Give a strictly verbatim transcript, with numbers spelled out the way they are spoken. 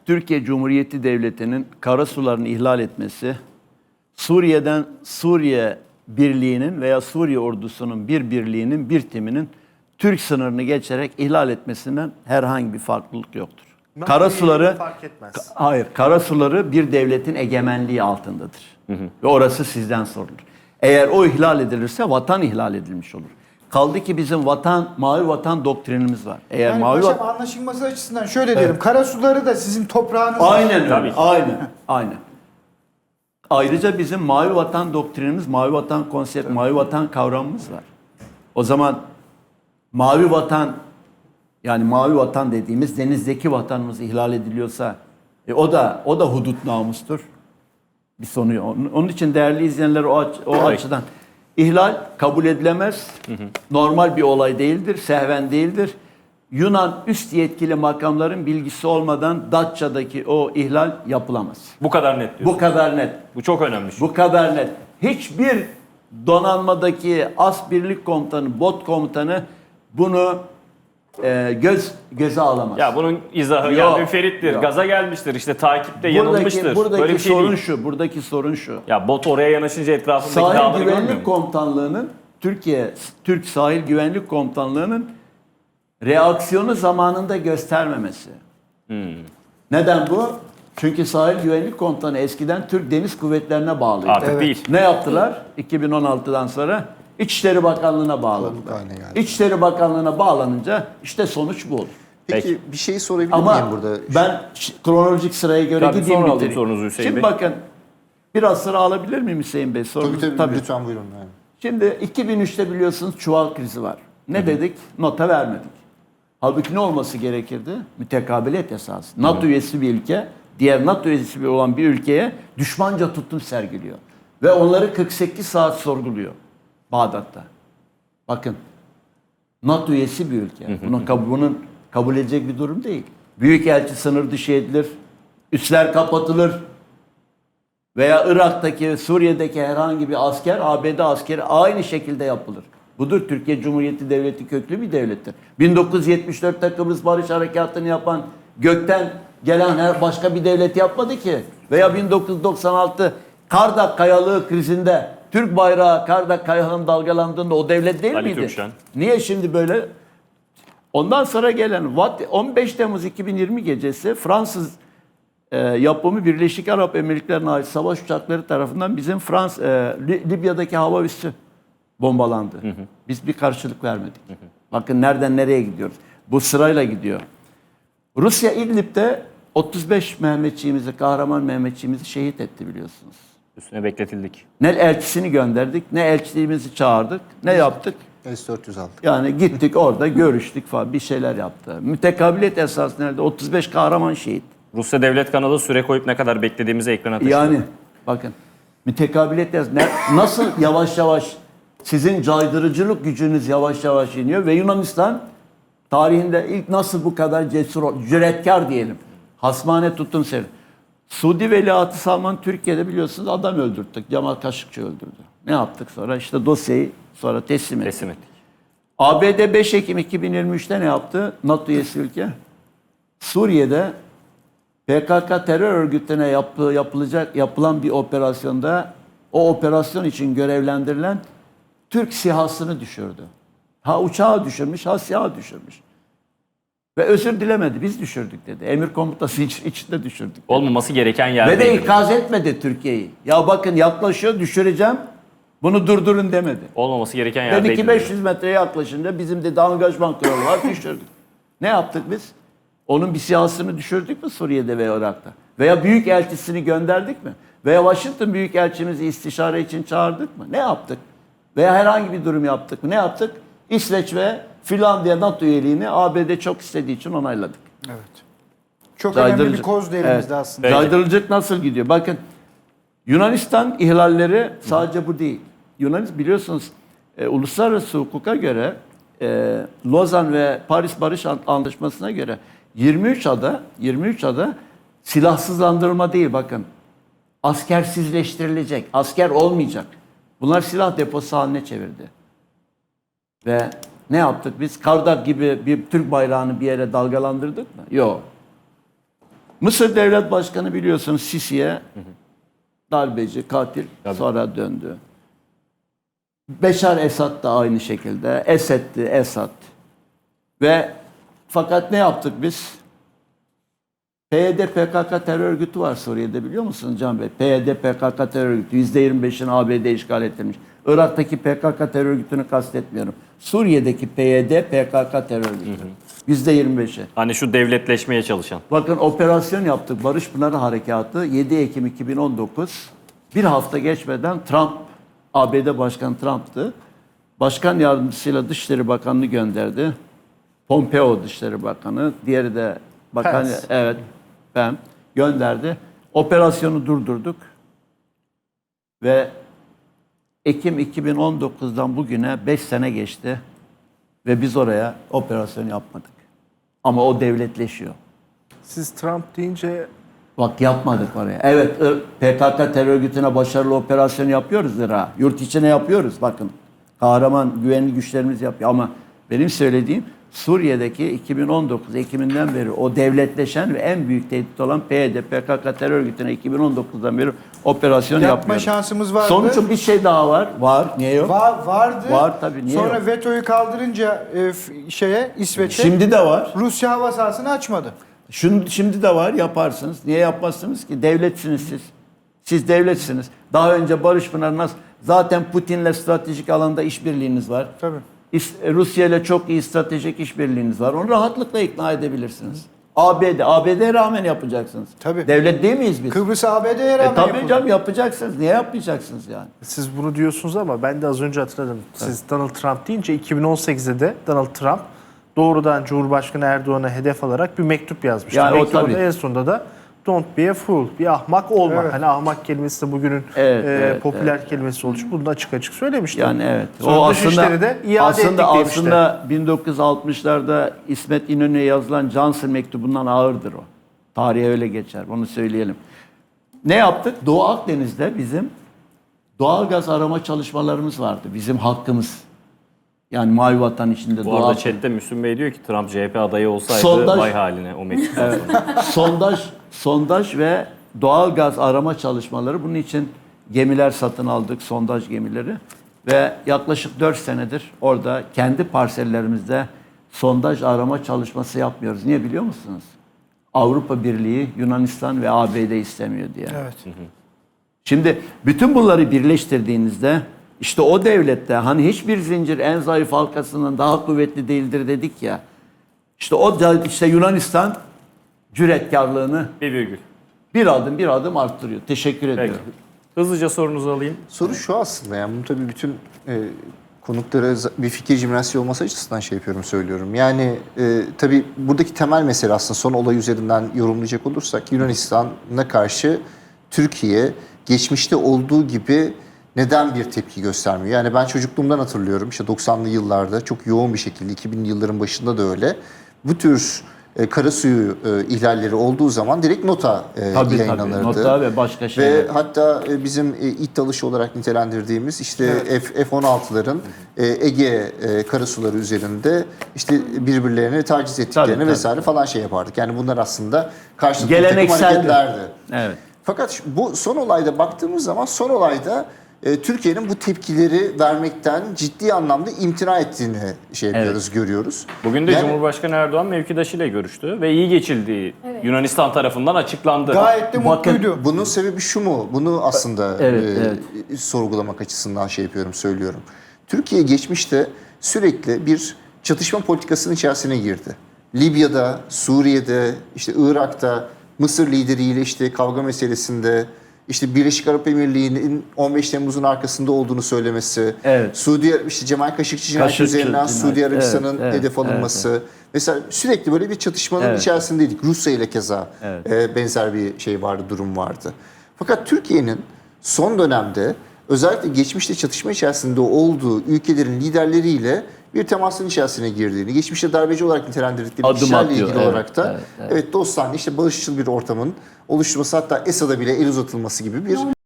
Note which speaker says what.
Speaker 1: Türkiye Cumhuriyeti Devleti'nin karasularını ihlal etmesi, Suriye'den Suriye Birliği'nin veya Suriye ordusunun bir birliğinin, bir timinin Türk sınırını geçerek ihlal etmesinden herhangi bir farklılık yoktur. Karasuları
Speaker 2: fark etmez.
Speaker 1: Ka- hayır, karasuları bir devletin egemenliği altındadır. Hı hı. Ve orası sizden sorulur. Eğer o ihlal edilirse vatan ihlal edilmiş olur. Kaldı ki bizim vatan, mavi vatan doktrinimiz var. Eğer
Speaker 3: Yani
Speaker 1: mavi
Speaker 3: paşam
Speaker 1: vatan...
Speaker 3: anlaşılması açısından şöyle diyelim. Karasuları da sizin toprağınız.
Speaker 1: Aynen öyle.
Speaker 2: Tabii.
Speaker 1: Aynen. Aynen. Ayrıca bizim mavi vatan doktrinimiz, mavi vatan konsept, mavi vatan kavramımız var. O zaman mavi vatan, yani mavi vatan dediğimiz denizdeki vatanımız ihlal ediliyorsa e, o da o da hudut namustur. Bir sonu yok. Onun, onun için değerli izleyenler o, aç, o açıdan ihlal kabul edilemez. Hı hı. Normal bir olay değildir, sehven değildir. Yunan üst yetkili makamların bilgisi olmadan Datça'daki o ihlal yapılamaz.
Speaker 2: Bu kadar net diyorsun.
Speaker 1: Bu kadar net.
Speaker 2: Bu çok önemli.
Speaker 1: Bu kadar net. Hiçbir donanmadaki as birlik komutanı, bot komutanı bunu e, göz göze alamaz.
Speaker 2: Ya bunun izahı
Speaker 1: Yok,
Speaker 2: ya müferittir,
Speaker 1: yok.
Speaker 2: gaza gelmiştir, işte takipte
Speaker 1: buradaki,
Speaker 2: yanılmıştır.
Speaker 1: buradaki
Speaker 2: Böyle bir şey
Speaker 1: sorun
Speaker 2: değil.
Speaker 1: şu, buradaki sorun şu.
Speaker 2: Ya bot oraya yanaşınca etrafındaki
Speaker 1: Sahil
Speaker 2: dağları görmüyor
Speaker 1: Güvenlik
Speaker 2: mu?
Speaker 1: Komutanlığı'nın Türkiye Türk Sahil Güvenlik Komutanlığı'nın reaksiyonu zamanında göstermemesi.
Speaker 2: Hmm.
Speaker 1: Neden bu? Çünkü Sahil Güvenlik Komutanı eskiden Türk Deniz Kuvvetlerine bağlıydı.
Speaker 2: Artık
Speaker 3: Evet.
Speaker 2: değil.
Speaker 1: Ne yaptılar? iki bin on altıdan sonra İçişleri Bakanlığı'na bağladılar.
Speaker 3: haline geldi.
Speaker 1: İçişleri Bakanlığı'na bağlanınca işte sonuç bu olur.
Speaker 4: Peki,
Speaker 2: Peki.
Speaker 4: bir şey sorabilir
Speaker 1: Ama
Speaker 4: miyim burada?
Speaker 1: ben ş- kronolojik sıraya göre
Speaker 2: Tabii,
Speaker 1: gideyim
Speaker 2: sonra alayım
Speaker 1: bitireyim.
Speaker 2: sorunuzu Hüseyin
Speaker 1: Şimdi
Speaker 2: Bey.
Speaker 1: bakın biraz sıra alabilir miyim Hüseyin Bey? Sorunuz,
Speaker 4: Tabii, tabii, lütfen buyurun. Yani.
Speaker 1: Şimdi iki bin üçte biliyorsunuz çuval krizi var. Ne Hı-hı. dedik? Nota vermedik. Halbuki ne olması gerekirdi? Mütekabiliyet esası. NATO Hı-hı. üyesi bir ülke, diğer NATO üyesi olan bir ülkeye düşmanca tutum sergiliyor. Ve onları kırk sekiz saat sorguluyor Bağdat'ta. Bakın, NATO üyesi bir ülke. Bunun, kab- bunun kabul edecek bir durum değil. Büyükelçi sınır dışı edilir, üsler kapatılır veya Irak'taki, Suriye'deki herhangi bir asker, A B D askeri aynı şekilde yapılır. Budur Türkiye Cumhuriyeti Devleti köklü bir devlettir. bin dokuz yüz yetmiş dörtte Kıbrıs Barış Harekatı'nı yapan gökten gelen her başka bir devlet yapmadı ki. Veya bin dokuz yüz doksan altı Kardak Kayalığı krizinde Türk bayrağı Kardak Kayalığı'nın dalgalandığında o devlet değil
Speaker 2: Ali
Speaker 1: miydi?
Speaker 2: Türkşen.
Speaker 1: Niye şimdi böyle? Ondan sonra gelen on beş Temmuz iki bin yirmi gecesi Fransız e, yapımı Birleşik Arap Emirlikleri'ne ait savaş uçakları tarafından bizim Frans e, Li- Libya'daki hava üssü bombalandı. Hı hı. Biz bir karşılık vermedik. Hı hı. Bakın nereden nereye gidiyoruz. Bu sırayla gidiyor. Rusya İdlib'de otuz beş Mehmetçiğimizi, kahraman Mehmetçiğimizi şehit etti biliyorsunuz.
Speaker 2: Üstüne bekletildik.
Speaker 1: Ne elçisini gönderdik, ne elçiliğimizi çağırdık, ne yaptık?
Speaker 4: S dört yüz aldık.
Speaker 1: Yani gittik orada görüştük falan bir şeyler yaptı. Mütekabiliyet esası nerede? otuz beş kahraman şehit.
Speaker 2: Rusya Devlet kanalı süre koyup ne kadar beklediğimizi ekrana taşıdı.
Speaker 1: Yani bakın mütekabiliyet esası ne- nasıl yavaş yavaş sizin caydırıcılık gücünüz yavaş yavaş iniyor ve Yunanistan tarihinde ilk nasıl bu kadar cesur, ol- cüretkar diyelim. Hasmane tuttum seni. Suudi Veliahtı Salman Türkiye'de biliyorsunuz adam öldürttük. Cemal Kaşıkçı öldürdü. Ne yaptık sonra? İşte dosyayı sonra teslim ettik.
Speaker 2: Teslim ettik.
Speaker 1: A B D beş Ekim iki bin yirmi üçte ne yaptı? NATO üyesi ülke. Suriye'de P K K terör örgütüne yapı, yapılacak yapılan bir operasyonda o operasyon için görevlendirilen Türk SİHA'sını düşürdü. Ha uçağı düşürmüş, ha SİHA düşürmüş. Ve özür dilemedi. Biz düşürdük dedi. Emir komutası iç, içinde düşürdük dedi.
Speaker 2: Olmaması gereken
Speaker 1: Ve
Speaker 2: yerde.
Speaker 1: de ikaz etmedi Türkiye'yi. Ya bakın yaklaşıyor, düşüreceğim. Bunu durdurun demedi.
Speaker 2: Olmaması gereken yerde.
Speaker 1: Dedi ki beş yüz metreye yaklaşınca bizim dedi angajman kuralı var, düşürdük. Ne yaptık biz? Onun bir siyasını düşürdük mü Suriye'de veya Irak'ta? Veya büyük elçisini gönderdik mi? Veya Washington büyük elçimizi istişare için çağırdık mı? Ne yaptık? Veya herhangi bir durum yaptık mı? Ne yaptık? İsveç ve Finlandiya NATO üyeliğini A B D çok istediği için onayladık.
Speaker 3: Evet. Çok önemli
Speaker 1: Caydırıcı.
Speaker 3: bir koz da elimizde
Speaker 1: Evet.
Speaker 3: aslında.
Speaker 1: Caydırıcılık nasıl gidiyor? Bakın Yunanistan ihlalleri sadece bu değil. Yunanistan biliyorsunuz e, uluslararası hukuka göre e, Lozan ve Paris Barış Antlaşması'na göre yirmi üç ada yirmi üç ada silahsızlandırılma değil bakın. Askersizleştirilecek. Asker olmayacak. Bunlar silah deposu haline çevirdi. Ve ne yaptık biz? Kardak gibi bir Türk bayrağını bir yere dalgalandırdık mı? Yok. Mısır Devlet Başkanı biliyorsunuz Sisi'ye darbeci, katil sonra döndü. Beşar Esad da aynı şekilde. Esed'di, Esad. Ve fakat ne yaptık biz? P Y D P K K terör örgütü var Suriye'de biliyor musunuz Can Bey? P Y D P K K terör örgütü yüzde yirmi beşini A B D işgal ettirmiş. Irak'taki P K K terör örgütünü kastetmiyorum. Suriye'deki P Y D P K K terör örgütü. yüzde yirmi beşi.
Speaker 2: Hani şu devletleşmeye çalışan.
Speaker 1: Bakın operasyon yaptık. Barış Pınarı Harekatı yedi Ekim iki bin on dokuz. Bir hafta geçmeden Trump, A B D Başkanı Trump'tı. Başkan yardımcısıyla Dışişleri Bakanı'nı gönderdi. Pompeo Dışişleri Bakanı. Diğeri de bakan,
Speaker 4: Pence.
Speaker 1: evet ben gönderdi. Operasyonu durdurduk. Ve Ekim iki bin on dokuzdan bugüne beş sene geçti. Ve biz oraya operasyon yapmadık. Ama o devletleşiyor.
Speaker 5: Siz Trump deyince
Speaker 1: Bak yapmadık oraya. Evet P K K terör örgütüne başarılı operasyon yapıyoruz Irak'a. Yurt içine yapıyoruz bakın. Kahraman güvenli güçlerimiz yapıyor. Ama benim söylediğim Suriye'deki iki bin on dokuz Ekim'inden beri o devletleşen ve en büyük tehdit olan P Y D P K K terör örgütüne iki bin on dokuzdan beri operasyon
Speaker 3: Yapma
Speaker 1: yapmıyoruz.
Speaker 3: şansımız vardı.
Speaker 1: Sonuçta bir şey daha var. Var. Niye yok?
Speaker 3: Va- vardı.
Speaker 1: Var tabii, niye
Speaker 3: Sonra
Speaker 1: yok?
Speaker 3: vetoyu kaldırınca e, f- şeye İsveç'e
Speaker 1: Şimdi de var.
Speaker 3: Rusya hava sahasını açmadı.
Speaker 1: Şun- Şimdi de var yaparsınız. Niye yapmazsınız ki? Devletsiniz siz. Siz devletsiniz. Daha önce Barış Pınar nasıl? Zaten Putin'le stratejik alanda işbirliğiniz var.
Speaker 3: Tabii.
Speaker 1: İs- Rusya ile çok iyi stratejik işbirliğiniz var. Onu rahatlıkla ikna edebilirsiniz. A B D, A B D'ye rağmen yapacaksınız.
Speaker 3: Tabii.
Speaker 1: Devlet değil miyiz biz?
Speaker 3: Kıbrıs A B D'ye rağmen
Speaker 1: E tabii
Speaker 3: yapıldı.
Speaker 1: canım yapacaksınız. Niye yapmayacaksınız yani?
Speaker 5: siz bunu diyorsunuz ama ben de az önce hatırladım. Siz Donald Trump deyince iki bin on sekizde de Donald Trump doğrudan Cumhurbaşkanı Erdoğan'a hedef alarak bir mektup yazmıştı.
Speaker 1: Yani o
Speaker 5: Mektubun
Speaker 1: tabii.
Speaker 5: en sonunda da don't be a fool, bir ahmak olma.
Speaker 3: Evet.
Speaker 5: Hani ahmak kelimesi de bugünün
Speaker 1: Evet,
Speaker 5: e,
Speaker 1: evet,
Speaker 5: popüler kelimesi olmuş. Bunu da açık açık söylemişti.
Speaker 1: Yani evet.
Speaker 5: Sonra Dışişleri de iade
Speaker 1: aslında,
Speaker 5: ettik demişti.
Speaker 1: aslında bin dokuz yüz altmışlarda İsmet İnönü'ye yazılan Johnson mektubundan ağırdır o. Tarihe öyle geçer. Onu söyleyelim. Ne yaptık? Doğu Akdeniz'de bizim doğalgaz arama çalışmalarımız vardı. Bizim hakkımız. Yani Mavi Vatan içinde
Speaker 2: Bu
Speaker 1: Doğu
Speaker 2: arada
Speaker 1: Akdeniz.
Speaker 2: chatte Müslüm Bey diyor ki Trump C H P adayı olsaydı
Speaker 1: Sondaj-
Speaker 2: vay haline o mektuptan sonra.
Speaker 1: sondaj, sondaj ve doğalgaz arama çalışmaları. Bunun için gemiler satın aldık, sondaj gemileri. Ve yaklaşık dört senedir orada kendi parsellerimizde sondaj arama çalışması yapmıyoruz. Niye biliyor musunuz? Avrupa Birliği, Yunanistan ve A B D istemiyor diye.
Speaker 3: Evet.
Speaker 1: Şimdi bütün bunları birleştirdiğinizde işte o devlette hani hiçbir zincir en zayıf halkasından daha kuvvetli değildir dedik ya. İşte o da işte Yunanistan cüretkarlığını
Speaker 2: Bir virgül.
Speaker 1: bir adım bir adım arttırıyor. Teşekkür
Speaker 2: Peki.
Speaker 1: ediyorum.
Speaker 2: Hızlıca sorunuzu alayım.
Speaker 4: Soru şu aslında, yani bunu tabii bütün e, konuklara za- bir fikir jimnastiği olması açısından şey yapıyorum, söylüyorum. Yani e, tabii buradaki temel mesele aslında son olay üzerinden yorumlayacak olursak Yunanistan'a karşı Türkiye geçmişte olduğu gibi neden bir tepki göstermiyor? Yani ben çocukluğumdan hatırlıyorum, işte doksanlı yıllarda çok yoğun bir şekilde, iki binli yılların başında da öyle. Bu tür e, karasuyu e, ihlalleri olduğu zaman direkt nota e,
Speaker 1: Tabii
Speaker 4: yayınlanırdı.
Speaker 1: tabii. Nota ve başka
Speaker 4: Ve
Speaker 1: şeyler.
Speaker 4: hatta e, bizim e, it dalışı olarak nitelendirdiğimiz işte F- F on altıların e, Ege e, karasuları üzerinde işte birbirlerini taciz ettiklerini
Speaker 1: tabii.
Speaker 4: vesaire falan şey yapardık. Yani bunlar aslında karşılıklı bir takım
Speaker 1: Gelenekseldi.
Speaker 4: hareketlerdi.
Speaker 1: Evet.
Speaker 4: Fakat şu- bu son olayda baktığımız zaman son olayda e, Türkiye'nin bu tepkileri vermekten ciddi anlamda imtina ettiğini şey yapıyoruz, görüyoruz.
Speaker 2: Bugün de
Speaker 4: Yani-
Speaker 2: Cumhurbaşkanı Erdoğan mevkidaşıyla görüştü ve iyi geçildiği Yunanistan tarafından açıklandı.
Speaker 3: Gayet de
Speaker 1: Bakın,
Speaker 3: mutluydu.
Speaker 4: Bunun sebebi şu mu? Bunu aslında
Speaker 1: Evet,
Speaker 4: e,
Speaker 1: evet.
Speaker 4: sorgulamak açısından şey yapıyorum, söylüyorum. Türkiye geçmişte sürekli bir çatışma politikasının içerisine girdi. Libya'da, Suriye'de, işte Irak'ta, Mısır lideriyle işte kavga meselesinde, işte Birleşik Arap Emirliği'nin on beş Temmuz'un arkasında olduğunu söylemesi,
Speaker 1: Evet.
Speaker 4: Suudi işte Cemal Kaşıkçı cinayeti
Speaker 1: Kaşıkçı
Speaker 4: üzerinden
Speaker 1: cinayeti,
Speaker 4: Suudi Arabistan'ın
Speaker 1: evet, evet,
Speaker 4: hedef alınması. Mesela sürekli böyle bir çatışmanın
Speaker 1: Evet.
Speaker 4: içerisindeydik. Rusya ile keza
Speaker 1: Evet.
Speaker 4: e, benzer bir şey vardı, durum vardı. Fakat Türkiye'nin son dönemde özellikle geçmişte çatışma içerisinde olduğu ülkelerin liderleriyle bir temasın içerisine girdiğini, geçmişte darbeci olarak nitelendirdikleri
Speaker 1: Adım
Speaker 4: kişilerle
Speaker 1: atıyor,
Speaker 4: ilgili
Speaker 1: evet,
Speaker 4: olarak da
Speaker 1: evet,
Speaker 4: evet, dostane, işte barışçıl bir ortamın oluşturması, hatta Esad'a bile el uzatılması gibi bir